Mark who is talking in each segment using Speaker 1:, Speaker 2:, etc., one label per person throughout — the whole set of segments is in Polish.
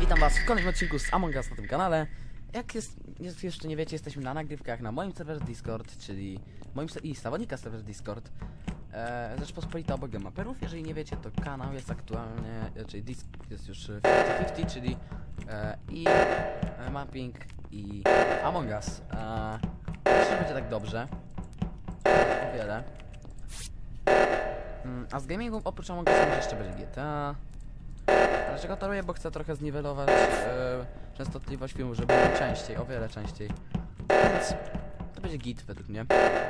Speaker 1: Witam was w kolejnym odcinku z Among Us na tym kanale. Jak jeszcze nie wiecie, jesteśmy na nagrywkach na moim serwerze Discord, czyli moim i zawodnika serwerze Discord. Rzeczpospolita obok maperów. Jeżeli nie wiecie, to kanał jest aktualnie, czyli Disc jest już 50-50, czyli i mapping i Among Us. Myślę, że będzie tak dobrze. O wiele. A z gamingu oprócz Among Us może jeszcze będzie GTA. Dlaczego to robię? Bo chcę trochę zniwelować częstotliwość filmu, żeby było częściej, o wiele częściej. Więc to będzie git według mnie.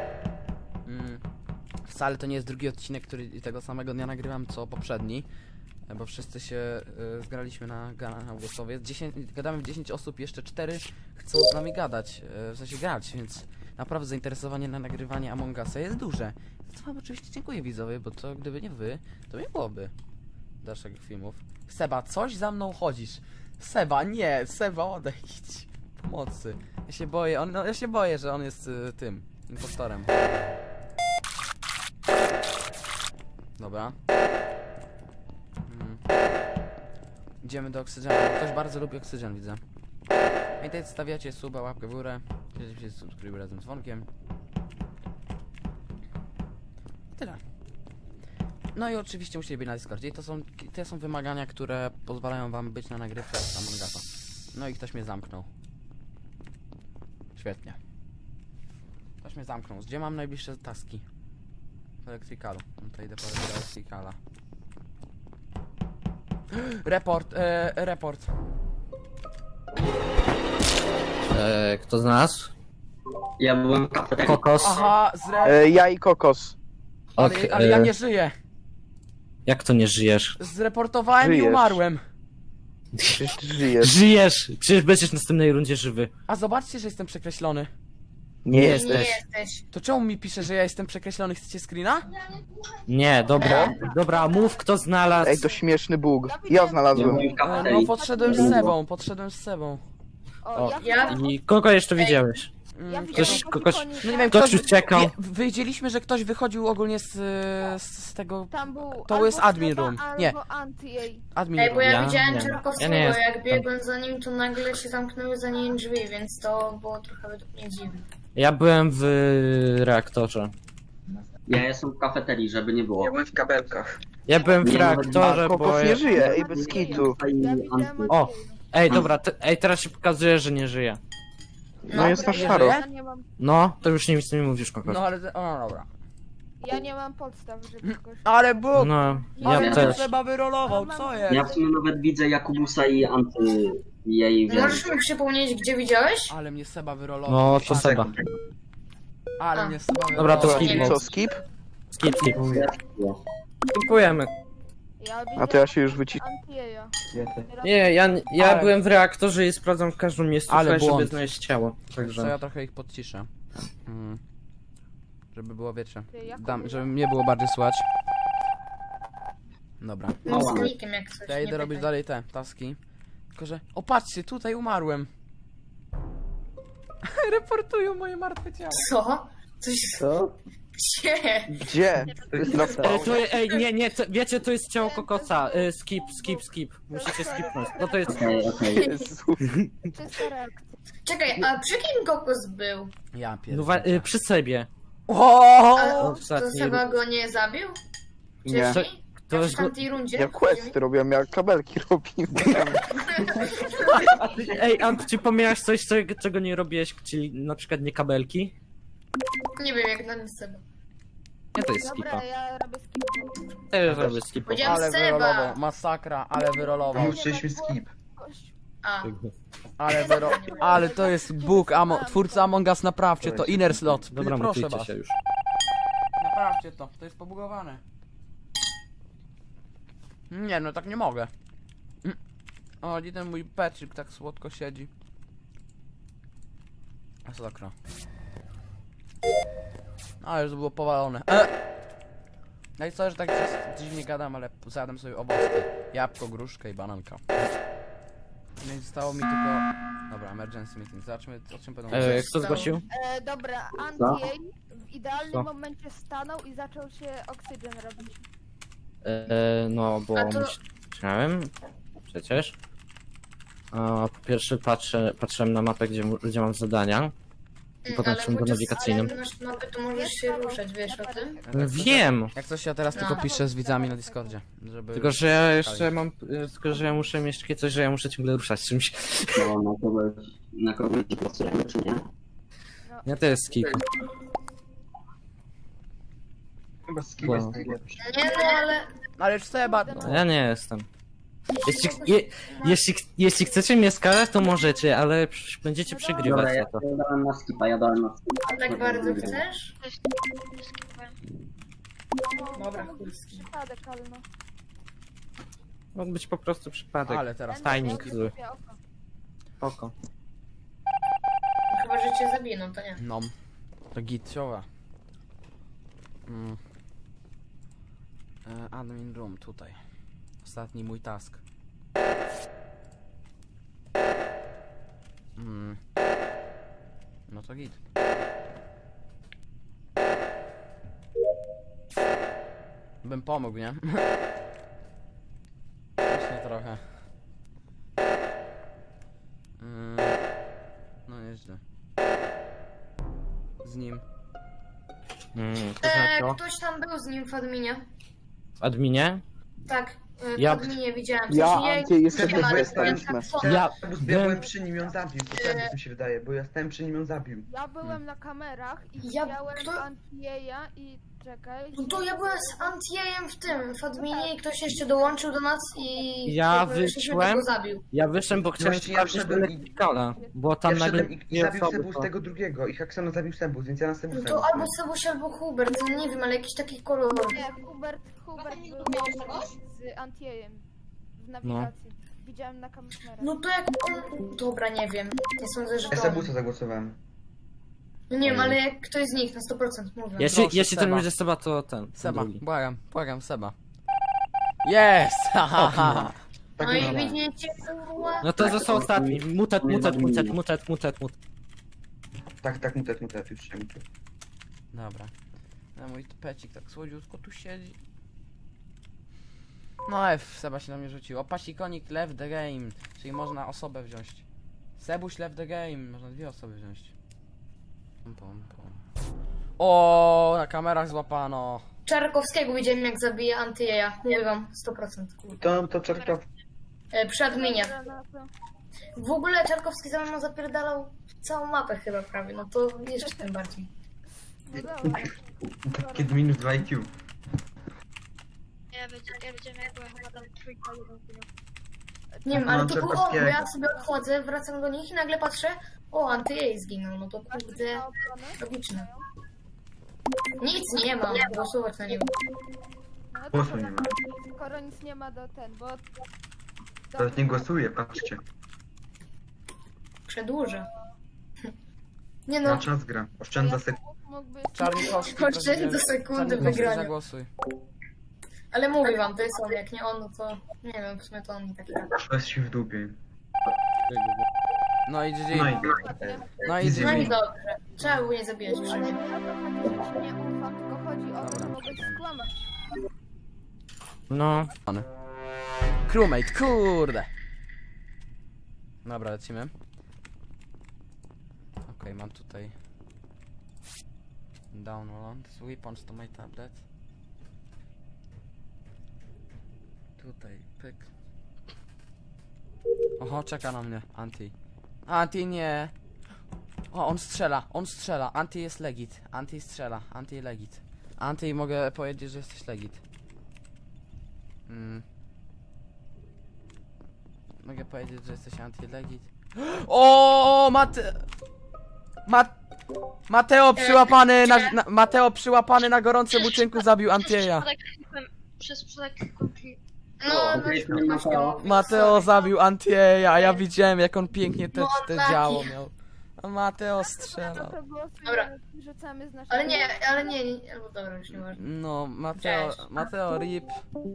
Speaker 1: Wcale to nie jest drugi odcinek, który tego samego dnia nagrywam co poprzedni. Bo wszyscy się zgraliśmy na głosowie. Gadamy w 10 osób, jeszcze 4 chcą z nami gadać, w sensie grać, więc naprawdę zainteresowanie na nagrywanie Among Usa jest duże. Za wam oczywiście dziękuję widzowie, bo to gdyby nie wy, to nie byłoby dalszych filmów. Seba, coś za mną chodzisz. Seba, nie, Seba, odejdź. Pomocy. Ja się boję, ja się boję, że on jest tym impostorem. Dobra. Idziemy do oksygenu. Ktoś bardzo lubi oksygen, widzę. Pamiętajcie, stawiacie suba, łapkę w górę. Dzielcie się subskrybuj razem z dzwonkiem. Tyle. No i oczywiście musicie być na Discordzie. I to są wymagania, które pozwalają wam być na nagrywce z Among Usa. No i ktoś mnie zamknął. Świetnie. Ktoś mnie zamknął. Gdzie mam najbliższe taski? W Electricalu. No to idę po Electricala. Report.
Speaker 2: Kto z nas?
Speaker 3: Ja byłem kapetem.
Speaker 2: Kokos.
Speaker 1: Aha,
Speaker 4: Ja i Kokos.
Speaker 1: ale ja nie żyję.
Speaker 2: Jak to nie żyjesz?
Speaker 1: Zreportowałem i
Speaker 4: Żyjesz.
Speaker 1: umarłem.
Speaker 4: Przecież ty żyjesz.
Speaker 2: Żyjesz! Przecież będziesz w następnej rundzie żywy.
Speaker 1: A zobaczcie, że jestem przekreślony.
Speaker 4: Nie
Speaker 2: Nie
Speaker 4: jesteś.
Speaker 5: jesteś.
Speaker 1: To czemu mi pisze, że ja jestem przekreślony? Chcecie screena?
Speaker 2: Nie, dobra. Dobra, mów kto znalazł.
Speaker 4: Ej, to śmieszny bóg. Ja
Speaker 3: Ja
Speaker 4: znalazłem.
Speaker 3: byłem
Speaker 1: No,
Speaker 3: kapetem.
Speaker 1: podszedłem z Sebą.
Speaker 2: O,
Speaker 5: Ja
Speaker 2: i kogo jeszcze widziałeś?
Speaker 1: Ktoś,
Speaker 2: Kogoś...
Speaker 1: no nie wiem,
Speaker 2: Ktoś uciekał.
Speaker 1: Wiedzieliśmy, że ktoś wychodził ogólnie z tego...
Speaker 6: Tam był
Speaker 1: To jest
Speaker 6: albo
Speaker 1: admin
Speaker 6: Seba,
Speaker 1: room.
Speaker 6: albo
Speaker 1: Nie.
Speaker 6: Anti-jej.
Speaker 1: Admin
Speaker 5: Ej, bo
Speaker 1: room.
Speaker 5: ja
Speaker 2: Ja
Speaker 5: widziałem
Speaker 2: nie.
Speaker 5: Czarkowskiego,
Speaker 2: Ja nie jestem
Speaker 5: jak biegłem za nim, to nagle się zamknęły za nim drzwi, więc to było trochę według mnie dziwne.
Speaker 2: Ja byłem w reaktorze.
Speaker 3: Ja jestem w kafeterii, żeby nie było.
Speaker 4: Ja byłem w kabelkach.
Speaker 2: Ja byłem w
Speaker 3: Nie,
Speaker 2: reaktorze, bo...
Speaker 4: Kokos nie żyje, ej, bez kitu.
Speaker 6: Ja widziałem
Speaker 2: O!
Speaker 6: Anti-jej.
Speaker 2: Ej, dobra, ej, teraz się pokazuje, że nie żyje.
Speaker 4: No jest na
Speaker 1: nie
Speaker 4: szaro.
Speaker 1: żyje?
Speaker 6: Ja nie mam,
Speaker 2: No, to już nic nie mówisz, Kokos.
Speaker 1: No ale... O, dobra.
Speaker 6: ja nie mam podstaw, żeby kogoś...
Speaker 1: Ale Bóg!
Speaker 2: No,
Speaker 1: Ale
Speaker 2: ja
Speaker 1: to
Speaker 2: też.
Speaker 1: Seba wyrolował, co
Speaker 3: Ja
Speaker 1: jest?
Speaker 3: w sumie nawet widzę Jakubusa i Anty jej
Speaker 5: Możesz mi przypomnieć, gdzie widziałeś?
Speaker 1: Ale mnie Seba wyrolował.
Speaker 2: No, to Seba.
Speaker 1: Ale mnie Seba wyrolował.
Speaker 2: Dobra, to
Speaker 4: To
Speaker 2: skip.
Speaker 4: co, skip?
Speaker 2: Skip. Dziękujemy.
Speaker 6: Ja
Speaker 4: A to ja się już wyciszyłem.
Speaker 6: Anti-jeja.
Speaker 2: Nie, ja
Speaker 1: Ale-
Speaker 2: byłem w reaktorze i sprawdzam w każdym miejscu,
Speaker 1: Ale
Speaker 2: żeby
Speaker 1: błąd.
Speaker 2: znaleźć ciało.
Speaker 1: To
Speaker 2: Także...
Speaker 1: ja trochę ich podciszę. Żeby było, wiecie,
Speaker 6: Jakub,
Speaker 1: żeby mnie było bardziej słychać. Dobra.
Speaker 5: No, z klikiem jak coś.
Speaker 1: Ja
Speaker 5: nie
Speaker 1: idę robić
Speaker 5: pytaj.
Speaker 1: dalej te taski. Tylko, że... O, patrzcie, tutaj umarłem. Reportują moje martwe ciało.
Speaker 5: Co? Coś...
Speaker 4: Co?
Speaker 5: Gdzie?
Speaker 4: Gdzie? To jest na
Speaker 2: Ej, nie, wiecie, to jest ciało kokosa. Skip. Musicie skipnąć. No to jest...
Speaker 3: Okej.
Speaker 4: Jezu.
Speaker 6: Czysta reakcja.
Speaker 5: Czekaj, a przy kim Kokos był?
Speaker 1: Ja
Speaker 2: No,
Speaker 1: pierdolę.
Speaker 2: przy sobie.
Speaker 1: O!
Speaker 5: A to
Speaker 2: ostatni
Speaker 5: Seba go nie zabił?
Speaker 4: Nie.
Speaker 5: Wcześniej?
Speaker 2: To
Speaker 5: W
Speaker 2: jest...
Speaker 5: tamtej rundzie?
Speaker 4: Ja questy robiłem, ja kabelki robiłem.
Speaker 2: Ej, Ant, czy pomijałeś coś, czego nie robiłeś, czyli na przykład nie kabelki?
Speaker 5: Nie wiem, jak na mnie Seba.
Speaker 2: Nie, to jest skipa.
Speaker 6: Dobra, ja robię skip.
Speaker 2: Też robię skipa.
Speaker 5: Powiedziałem
Speaker 1: Ale
Speaker 5: Seba!
Speaker 1: wyrolował. Masakra, ale wyrolował.
Speaker 4: Musieliśmy skip.
Speaker 5: A,
Speaker 1: Ale to jest Bóg, twórca Among Us, naprawcie to. Inner slot.
Speaker 2: Dobra,
Speaker 1: Proszę
Speaker 2: mutujcie
Speaker 1: was.
Speaker 2: się już.
Speaker 1: Naprawcie to jest pobugowane. Nie, no tak nie mogę. O, gdzie ten mój Patrick tak słodko siedzi. Masakra. A, już to było powalone. No i co, że tak dziwnie gadam, ale zjadłem sobie owoce. Jabłko, gruszkę i bananka. No i zostało mi tylko... Dobra, emergency meeting. Zobaczmy, o czym będą mówić.
Speaker 2: Kto zgłosił?
Speaker 6: Dobra, Anti-jej w idealnym
Speaker 2: Co?
Speaker 6: momencie stanął i zaczął się oksygen robić.
Speaker 2: No, bo
Speaker 5: A to-
Speaker 2: myślałem... Przecież... Po pierwsze patrzyłem na mapę, gdzie mam zadania. I potem
Speaker 5: Ale
Speaker 2: szłem do
Speaker 5: podczas-
Speaker 2: nawigacyjnym.
Speaker 5: ale masz mapę, to możesz się ruszać, wiesz o tym?
Speaker 2: Wiem!
Speaker 1: Jak coś ja teraz tylko
Speaker 5: No.
Speaker 1: piszę z widzami na Discordzie, żeby...
Speaker 2: Tylko, że ja jeszcze mam... Tylko, że ja muszę mieć takie coś, że ja muszę ciągle ruszać czymś.
Speaker 3: No, na kogoś ci pasujemy, czy nie?
Speaker 2: Ja to jest skip.
Speaker 4: Chyba skip
Speaker 2: Wow.
Speaker 4: jest najlepszy.
Speaker 5: Nie no, ale...
Speaker 1: Ale już Seba... No.
Speaker 2: Ja nie jestem. Jeśli chcecie mnie skarać, to możecie, ale będziecie
Speaker 3: Dobra,
Speaker 2: przegrywać
Speaker 3: ja
Speaker 2: za to.
Speaker 3: dałem na skipa, ja dałem na skipa.
Speaker 5: A tak bardzo chcesz? Dobra,
Speaker 6: to mógł
Speaker 5: chuj
Speaker 6: być
Speaker 5: z kim.
Speaker 6: przypadek, ale no.
Speaker 2: Mógł być po prostu przypadek.
Speaker 1: Ale teraz...
Speaker 2: Tajnik
Speaker 6: Ja
Speaker 2: zły.
Speaker 6: lubię oko.
Speaker 2: Oko.
Speaker 5: Chyba, że cię zabiję, to nie.
Speaker 1: No. To gitciowa. Admin room, tutaj. Ostatni mój task. No to git. Bym pomógł, nie? Właśnie trochę. No nieźle. Z nim.
Speaker 2: To znaczy,
Speaker 5: Ktoś tam był z nim w adminie.
Speaker 2: w adminie?
Speaker 5: Tak, w
Speaker 2: Ja-
Speaker 5: adminie widziałem. W
Speaker 4: Ja,
Speaker 5: sensie
Speaker 4: Anty, jesteśmy,
Speaker 5: nie wiem, ale
Speaker 4: jesteśmy.
Speaker 5: tak samo.
Speaker 2: Ja
Speaker 7: Ja
Speaker 2: byłem...
Speaker 7: byłem przy nim, ją zabił, to tak mi się wydaje, bo ja stałem przy nim, ją zabił.
Speaker 6: Ja byłem na kamerach i
Speaker 5: Ja-
Speaker 6: widziałem
Speaker 5: kto-
Speaker 6: Antieja i czekaj.
Speaker 5: No to ja byłem z Antiejem w tym, w adminie i ktoś jeszcze dołączył do nas i...
Speaker 2: Ja
Speaker 5: jakby żeśmy
Speaker 2: wyszłem.
Speaker 5: go zabił.
Speaker 2: Ja wyszedłem, bo chciałem
Speaker 7: Właśnie ja
Speaker 2: sprawdzić
Speaker 7: wszedłem i-
Speaker 2: elektrykala, bo tam
Speaker 7: Ja
Speaker 2: nagle
Speaker 7: wszedłem i zabił
Speaker 2: osoby,
Speaker 7: Sebus
Speaker 2: to-
Speaker 7: tego drugiego i Haxona zabił Sebus, więc ja na Sebusa
Speaker 5: No to albo Sebuś, albo Hubert, no nie wiem, ale jakiś taki kolor.
Speaker 6: Nie, Hubert był z Antiejem w nawigacji. Widziałem na kamerach.
Speaker 5: No to jak on... Dobra, nie wiem. Nie sądzę, że
Speaker 7: Ja
Speaker 5: to on.
Speaker 7: Sebusa zagłosowałem.
Speaker 5: No nie wiem, ale jak ktoś z nich na 100% mówię.
Speaker 2: Jeśli
Speaker 1: Proszę,
Speaker 2: ten
Speaker 1: Seba.
Speaker 2: będzie Seba, to ten.
Speaker 1: Seba,
Speaker 2: drugi.
Speaker 1: błagam, Seba. Jest! Hahaha!
Speaker 7: Tak
Speaker 5: No i
Speaker 7: mówię.
Speaker 5: widzicie, kurwa.
Speaker 2: No to został ostatni. Mutet.
Speaker 7: Tak, mutet, już się mutet.
Speaker 1: Dobra. No mój pecik tak słodziutko tu siedzi. No F, Seba się na mnie rzucił. Opasikonik left the game, czyli można osobę wziąć. Sebuś left the game, można dwie osoby wziąć. Pom. O, na kamerach złapano.
Speaker 5: Czarkowskiego widziałem jak zabije Antyeja. Mówię wam, 100%. Kurwa.
Speaker 7: To Czarka
Speaker 5: Przy adminie.
Speaker 6: Na to.
Speaker 5: W ogóle Czarkowski za mną zapierdalał całą mapę chyba prawie, no to jeszcze tym bardziej.
Speaker 6: No dobra.
Speaker 7: kiedy minus 2 IQ.
Speaker 8: Ja widziałem jak była chyba tam trójka, jeden film.
Speaker 5: Nie wiem, ale
Speaker 7: Mam
Speaker 5: to było on, bo
Speaker 7: Czarkowskiego.
Speaker 5: ja sobie odchodzę, wracam do nich i nagle patrzę, o, Antyjej zginął, no to kurde,
Speaker 6: Na obronę.
Speaker 5: logiczne. Nic nie mam, głosować na niego.
Speaker 6: No to
Speaker 7: Głosu
Speaker 6: skoro-
Speaker 7: nie ma.
Speaker 6: Skoro nic nie ma do ten, bo...
Speaker 7: Teraz nie głosuję, patrzcie.
Speaker 5: Przedłużę. Nie
Speaker 7: Na
Speaker 5: no,
Speaker 7: czas gra. Oszczędza sekundę.
Speaker 6: Mógłby...
Speaker 1: Czarnikowski.
Speaker 5: Oszczędź do sekundy
Speaker 1: Czarnikowski,
Speaker 5: wygrania.
Speaker 1: zagłosuj.
Speaker 5: Ale mówię wam, to jest on, jak nie on, no to nie wiem, w sumie to on mi taki tak.
Speaker 7: Bez się w dupie.
Speaker 1: No i GG.
Speaker 7: No i
Speaker 1: No i
Speaker 7: Easy
Speaker 5: No i
Speaker 1: GG.
Speaker 5: dobrze, trzeba było nie zabijać
Speaker 6: Ale
Speaker 5: wszędzie.
Speaker 6: nie o to chodzi, że się nie ufam, tylko chodzi o to, że
Speaker 1: Dobra.
Speaker 6: mogę skłamać.
Speaker 2: No.
Speaker 1: Crewmate, kurde. Dobra, lecimy. Okej, mam tutaj download weapons to my tablet. Tutaj, pyk. Oho, czeka na mnie Anti. Anti nie. O, on strzela. Anti jest legit. Anti strzela. Anti legit. Anti, mogę powiedzieć, że jesteś legit. Mogę powiedzieć, że jesteś anti-legit. O, Mateo przyłapany Mateo przyłapany na gorącym uczynku zabił Antieja.
Speaker 8: Przez przypadek klikłem.
Speaker 5: No, no, właśnie mówię,
Speaker 1: Mateo
Speaker 5: sorry.
Speaker 1: zabił Antieja, a ja widziałem jak on pięknie te
Speaker 5: taki.
Speaker 1: działo miał. A Mateo
Speaker 6: No
Speaker 1: strzelał.
Speaker 6: to głosujemy,
Speaker 5: Dobra.
Speaker 6: rzucamy z naszego...
Speaker 5: Ale nie, albo dobra, już nie ważne.
Speaker 1: No,
Speaker 5: Cześć.
Speaker 1: Mateo RIP.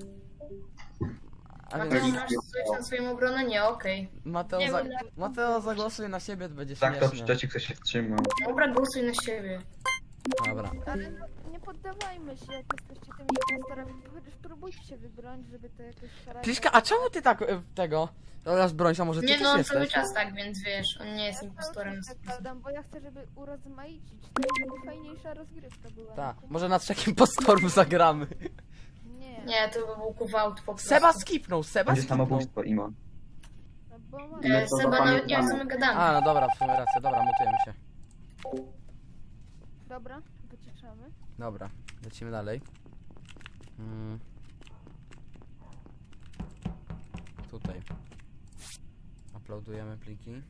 Speaker 1: A
Speaker 5: Mateo,
Speaker 1: więc
Speaker 5: masz coś na swoją obronę? Nie, okej.
Speaker 1: Mateo zagłosuj na siebie, to będzie
Speaker 7: Tak, to
Speaker 1: śmiesznie.
Speaker 7: przeciwko ktoś się wstrzymał.
Speaker 5: Dobra, głosuj na siebie.
Speaker 1: Dobra.
Speaker 6: Ale no, nie nie poddawajmy się, jak jesteście tymi impostorami, to chociaż próbujcie się wybronić, żeby to jakoś szarać.
Speaker 1: Pliszka, a czemu ty tak tego... Teraz broń, a może ty
Speaker 5: Nie
Speaker 1: też
Speaker 5: no, on
Speaker 1: jesteś?
Speaker 5: cały czas tak, więc wiesz, on nie jest impostorem.
Speaker 6: Zakładam, bo ja chcę, żeby urozmaicić, żeby fajniejsza rozgrywka była.
Speaker 1: Tak,
Speaker 6: No,
Speaker 1: może na trzech impostorów zagramy.
Speaker 6: Nie,
Speaker 5: Nie, to by był kuwałt po prostu.
Speaker 1: Seba skipnął, Seba
Speaker 7: Będzie
Speaker 1: skipnął.
Speaker 7: samobójstwo, Imo.
Speaker 6: no bo ma...
Speaker 3: No to
Speaker 5: Seba nawet nie wie, co
Speaker 3: zapamiętamy.
Speaker 5: my gadamy.
Speaker 1: A, no dobra, w sumie racja, dobra, mutujemy się.
Speaker 6: Dobra, wyciszamy.
Speaker 1: Dobra, lecimy dalej. Tutaj. Uploadujemy pliki.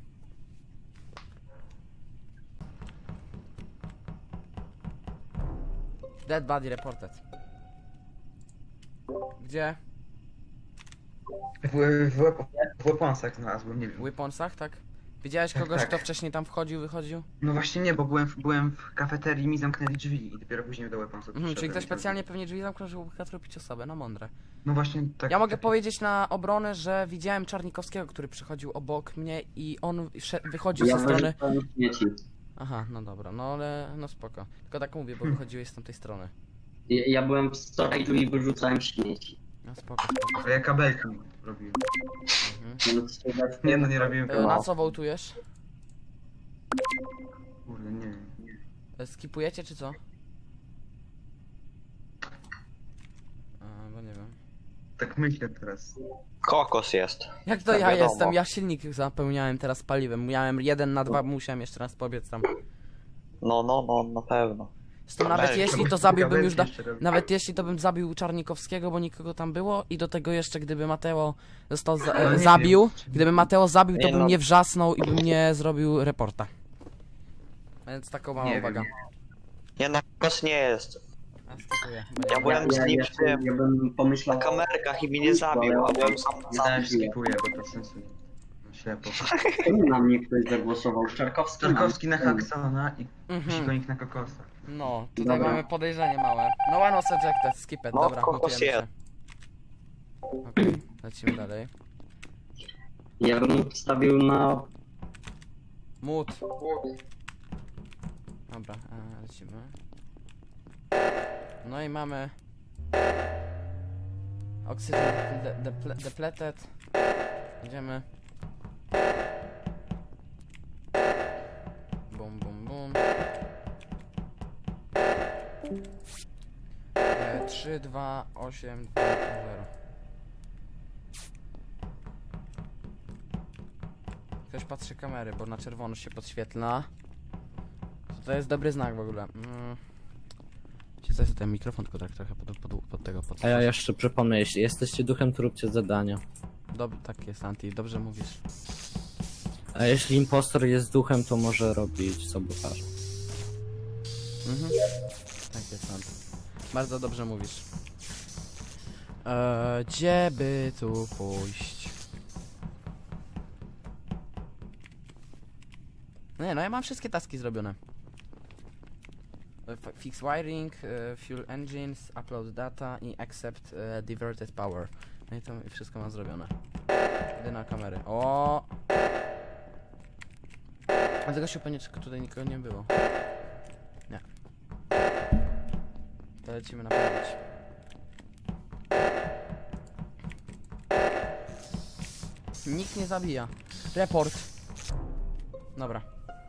Speaker 1: Dead body reported. Gdzie?
Speaker 7: W weaponsach znalazłem, nie wiem.
Speaker 1: W weaponsach, tak? Widziałeś
Speaker 7: Tak,
Speaker 1: kogoś,
Speaker 7: tak.
Speaker 1: kto wcześniej tam wchodził, wychodził?
Speaker 7: No właśnie nie, bo byłem w kafeterii i mi zamknęli drzwi i dopiero później do weaponsów
Speaker 1: Mhm, czyli
Speaker 7: przyszedłem
Speaker 1: ktoś
Speaker 7: i to-
Speaker 1: specjalnie pewnie drzwi zamknął, żeby ukatrupić osobę, no mądre.
Speaker 7: No właśnie tak.
Speaker 1: Ja mogę
Speaker 7: tak-
Speaker 1: powiedzieć na obronę, że widziałem Czarnikowskiego, który przychodził obok mnie i on wychodził
Speaker 3: Ja
Speaker 1: ze strony...
Speaker 3: wyrzucałem śmieci.
Speaker 1: Aha, no dobra, no ale no spoko. Tylko tak mówię, bo wychodziłeś z tamtej strony.
Speaker 3: Ja byłem w storage'u i wyrzucałem śmieci.
Speaker 1: No spoko, spoko.
Speaker 7: A ja kabelki robiłem.
Speaker 1: Mhm.
Speaker 3: No, to Sylwester-
Speaker 7: Nie no, nie robiłem
Speaker 1: Na
Speaker 7: kabelki.
Speaker 1: co wołtujesz?
Speaker 7: Kurde, nie wiem.
Speaker 1: Skipujecie czy co? Bo nie wiem.
Speaker 7: Tak myślę teraz.
Speaker 9: Kokos jest.
Speaker 1: Jak to
Speaker 9: Tak,
Speaker 1: ja
Speaker 9: wiadomo.
Speaker 1: jestem? Ja silnik zapełniałem teraz paliwem. Miałem 1 na 2, musiałem jeszcze raz pobiec tam.
Speaker 9: No, na pewno.
Speaker 1: Zresztą nawet
Speaker 9: Kabelki.
Speaker 1: jeśli to
Speaker 7: Kabelki
Speaker 1: zabiłbym już...
Speaker 7: jeszcze robię.
Speaker 1: Nawet jeśli to bym zabił Czarnikowskiego, bo nikogo tam było i do tego jeszcze gdyby Mateo został
Speaker 7: Ale nie
Speaker 1: zabił,
Speaker 7: wiem.
Speaker 1: gdyby Mateo zabił, to
Speaker 9: Nie
Speaker 1: bym
Speaker 9: no.
Speaker 1: nie wrzasnął i bym nie zrobił reporta. Więc taką mała
Speaker 7: Nie
Speaker 1: uwaga.
Speaker 7: wiem.
Speaker 9: Nie no, kokos nie jest.
Speaker 1: Ja skipuję, bo
Speaker 9: Ja
Speaker 1: nie-
Speaker 9: byłem z nim w tym,
Speaker 3: ja bym
Speaker 9: na
Speaker 3: pomyślał...
Speaker 9: kamerkach i mnie nie zabił, a byłem sam na
Speaker 7: Ja
Speaker 9: sam.
Speaker 7: też skipuję, bo to sensu nie. No, ślepo.
Speaker 3: Czemu na mnie ktoś zagłosował? Czarkowski?
Speaker 7: Tarkowski na Haksona i
Speaker 1: Mhm.
Speaker 7: Sikonik na Kokosa.
Speaker 1: No, tutaj
Speaker 3: Dobra.
Speaker 1: mamy podejrzenie małe. No one was ejected, skip it,
Speaker 9: No,
Speaker 1: dobra,
Speaker 9: kokos
Speaker 1: mutujemy się.
Speaker 9: jest.
Speaker 1: Okej, lecimy dalej.
Speaker 3: Ja bym wstawił na...
Speaker 1: Mut. Dobra, lecimy. No i mamy... Oxygen depleted. Idziemy. Bum, bum, bum. 3, 2, 8, 2, 0. Ktoś patrzy kamery, bo na czerwono się podświetla. To jest dobry znak w ogóle. Coś ten mikrofon tylko tak trochę pod tego
Speaker 2: A ja jeszcze przypomnę, jeśli jesteście duchem, to róbcie zadania.
Speaker 1: Tak jest, Anti, dobrze mówisz.
Speaker 2: A jeśli impostor jest duchem, to może robić sabotaż.
Speaker 1: Mhm. Tak jest, Anti. Bardzo dobrze mówisz. Gdzie by tu pójść? Nie, no ja mam wszystkie taski zrobione. Fix wiring, fuel engines, upload data i accept diverted power. No i to wszystko mam zrobione. Idę na kamery. O! Dlatego się pewnie tutaj nikogo nie było. Nie. To lecimy naprawić. Nikt nie zabija. Report. Dobra.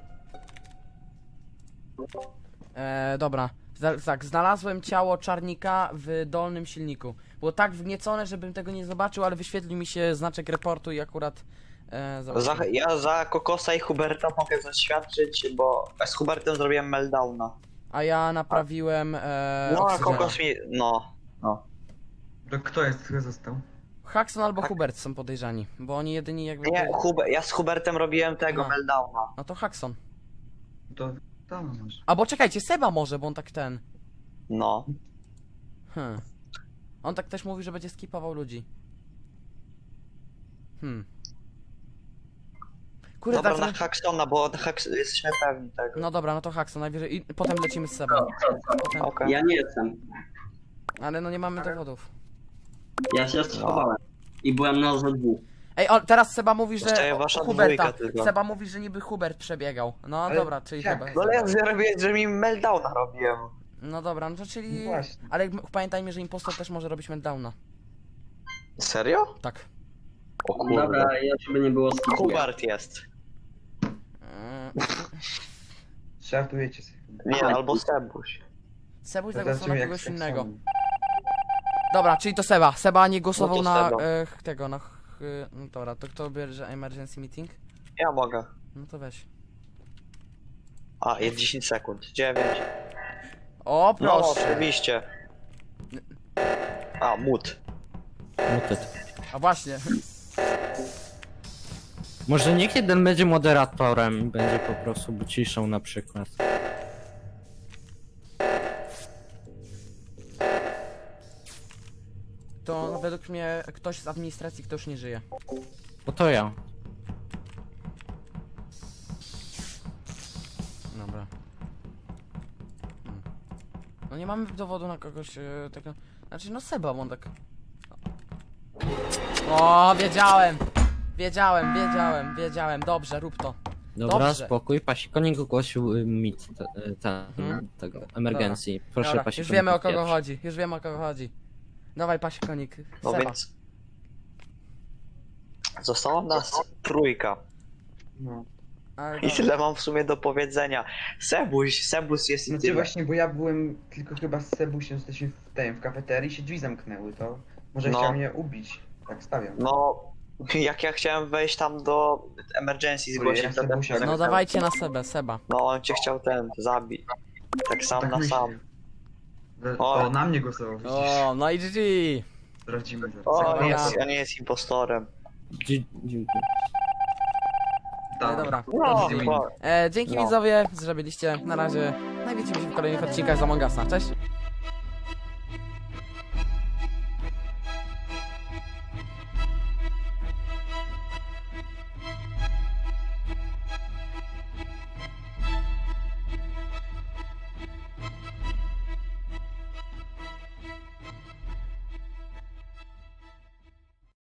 Speaker 1: Dobra. Tak, znalazłem ciało Czarnika w dolnym silniku. Było tak wgniecone, żebym tego nie zobaczył, ale wyświetlił mi się znaczek reportu i akurat zobaczyłem.
Speaker 9: Ja za Kokosa i Huberta mogę zaświadczyć, bo z Hubertem zrobiłem meltdowna.
Speaker 1: A ja naprawiłem
Speaker 9: No a
Speaker 1: oksygena.
Speaker 9: Kokos mi... no.
Speaker 7: To kto jest, kto został?
Speaker 1: Haxon albo Hubert są podejrzani, bo oni jedyni jakby...
Speaker 9: Nie, ja z Hubertem robiłem tego
Speaker 1: A.
Speaker 9: meltdowna.
Speaker 1: No to Haxon.
Speaker 7: To może.
Speaker 1: Albo czekajcie, Seba może, bo on tak ten...
Speaker 9: No.
Speaker 1: On tak też mówi, że będzie skipował ludzi. Kurde,
Speaker 9: Dobra,
Speaker 1: tak...
Speaker 9: na Haxona, bo jesteśmy pewni tego.
Speaker 1: No dobra, no to Haxon najwyżej i potem lecimy z Sebą. Potem...
Speaker 9: Okej.
Speaker 3: Ja nie jestem.
Speaker 1: Ale no nie mamy dowodów.
Speaker 3: Ja się schowałem. I byłem na ZW.
Speaker 1: Ej, teraz Seba mówi, że
Speaker 9: Zostaje wasza
Speaker 1: Huberta.
Speaker 9: dwójka tylko.
Speaker 1: Seba mówi, że niby Hubert przebiegał. No
Speaker 7: Ale
Speaker 1: dobra, czyli
Speaker 7: jak?
Speaker 1: chyba...
Speaker 9: No ale ja robiłem, że mi meltdowna robiłem.
Speaker 1: No dobra, no to czyli...
Speaker 4: No właśnie.
Speaker 1: Ale pamiętajmy, że impostor też może robić meltdowna.
Speaker 9: Serio?
Speaker 1: Tak.
Speaker 9: O kurde.
Speaker 3: Dobra, ja żeby nie było skipuję.
Speaker 9: Hubert jest.
Speaker 7: Żartujecie sobie.
Speaker 9: Nie, albo Sebuś.
Speaker 1: Sebuś
Speaker 7: Zobaczymy,
Speaker 1: zagłosował na
Speaker 7: jak
Speaker 1: kogoś
Speaker 7: tak
Speaker 1: innego.
Speaker 7: są.
Speaker 1: Dobra, czyli to Seba. Seba nie głosował
Speaker 9: No to
Speaker 1: na
Speaker 9: Seba.
Speaker 1: tego, na... no dobra, to kto bierze emergency meeting?
Speaker 9: Ja mogę.
Speaker 1: No to weź.
Speaker 9: A, jest 10 sekund. 9.
Speaker 1: O,
Speaker 9: No,
Speaker 1: proszę.
Speaker 9: oczywiście. A, mut.
Speaker 2: Mutet.
Speaker 1: A właśnie.
Speaker 2: Może niech jeden będzie moderatorem i będzie po prostu ciszą na przykład.
Speaker 1: To według mnie ktoś z administracji, kto już nie żyje.
Speaker 2: Bo to ja.
Speaker 1: Dobra. No nie mamy dowodu na kogoś tego... Znaczy no Seba, bo on tak... O, wiedziałem! Wiedziałem. Dobrze, rób to.
Speaker 2: Dobra,
Speaker 1: Dobrze.
Speaker 2: spokój. Pasikonik ogłosił mit
Speaker 1: Mhm.
Speaker 2: tego emergencji. Proszę
Speaker 1: Dobra,
Speaker 2: Pasikonik.
Speaker 1: już wiemy o kogo
Speaker 2: pierwszy.
Speaker 1: chodzi. Już wiemy o kogo chodzi. Dawaj pasikonik.
Speaker 9: No
Speaker 1: Seba.
Speaker 9: więc... Została nas trójka.
Speaker 7: No.
Speaker 1: Ale
Speaker 9: I
Speaker 1: dobra.
Speaker 9: tyle mam w sumie do powiedzenia. Sebus jest i
Speaker 7: Znaczy
Speaker 9: tyle.
Speaker 7: właśnie, bo ja byłem tylko chyba z Sebusiem, jesteśmy w kafeterii, się drzwi zamknęły, to może
Speaker 9: No.
Speaker 7: chciał mnie ubić. Tak stawiam.
Speaker 9: No, jak ja chciałem wejść tam do emergency zgłosić,
Speaker 7: Ja
Speaker 9: to ten
Speaker 7: Sebusia-
Speaker 9: się
Speaker 1: No
Speaker 9: zamknął.
Speaker 1: dawajcie na Seba.
Speaker 9: No, on cię chciał zabić. Tak sam
Speaker 7: Tak
Speaker 9: na
Speaker 7: myślę.
Speaker 9: sam.
Speaker 7: O, na mnie głosował, widzisz.
Speaker 1: O, no i GG.
Speaker 7: Sprawdzimy zaraz.
Speaker 9: O,
Speaker 1: Dobra.
Speaker 9: on nie jest impostorem.
Speaker 2: Dzięki.
Speaker 7: Tak.
Speaker 1: Dobra.
Speaker 9: No,
Speaker 7: Easy win.
Speaker 9: bo-
Speaker 1: Dzięki
Speaker 9: No.
Speaker 1: widzowie, że byliście. Na razie. No i widzimy się w kolejnych odcinkach z Among Usa. Cześć.